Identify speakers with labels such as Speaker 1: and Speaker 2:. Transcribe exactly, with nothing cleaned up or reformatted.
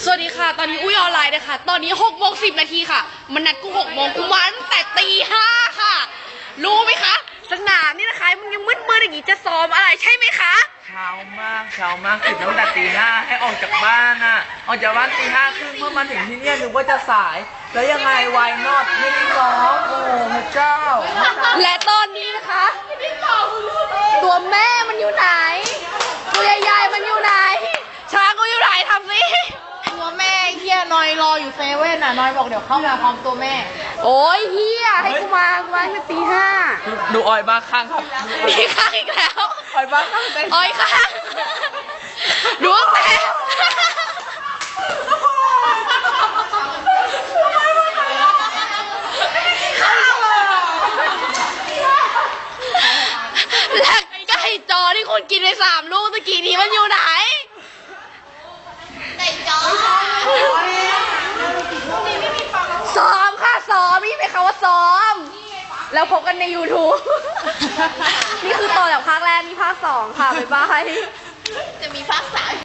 Speaker 1: สวัสดีค่ะตอนนี้อุ้ยออนไลน์นะคะตอนนี้หกโมงสิบนาทีค่ะมันนัดกูหกโมงกูมาตั้งแต่ตีห้าค่ะรู้ไหมคะสนามนี่นะคะมันยังมืดมืดอย่างนี้จะซ้อมอะไรใช่ไหมคะ
Speaker 2: เช้ามากเช้ามากตื่นตั้งแต่ตีห้าให้ออกจากบ้านน่ะออกจากบ้านตีห้าครึ่งเมื่อมาถึงที่เนี่ยนึกว่าจะสายแล้วยังไงวายนอตไม่ได้ร้องโอ้พระเจ้า
Speaker 1: และตอนนี้นะคะตัวแม่มันอยู่ไหนตัวใหญ่ๆมันอยู่ไหนช้างกูอยู่ไหนทำสิ
Speaker 3: ตัวแม่เฮียนอยรออยู่เซเว่นอ่ะนอยบอกเดี๋ยวเข้ามาพร้อมตัวแม่
Speaker 1: โอ้ยเฮียให้กูมากูมาตั้งแต่ตีห้า
Speaker 2: ดูออยบ้าข้างครับ
Speaker 1: มีข้างอีกแล้ว
Speaker 2: ออยบ้าข้าง
Speaker 1: ออยข้างดูแต่และไก่จอที่คุณกินไปสามลูกตะกี้นี้มันอยู่ไหน
Speaker 3: ไก่จอ
Speaker 1: ซ้อมค่ะซ้อมนี่เป็นคำว่าซ้อมแล้วพบกันใน ยูทูบ นี่คือต่อจากภาคแรกนี่ภาคสองค่ะบ๊ายบาย
Speaker 3: จะมีภาคสาม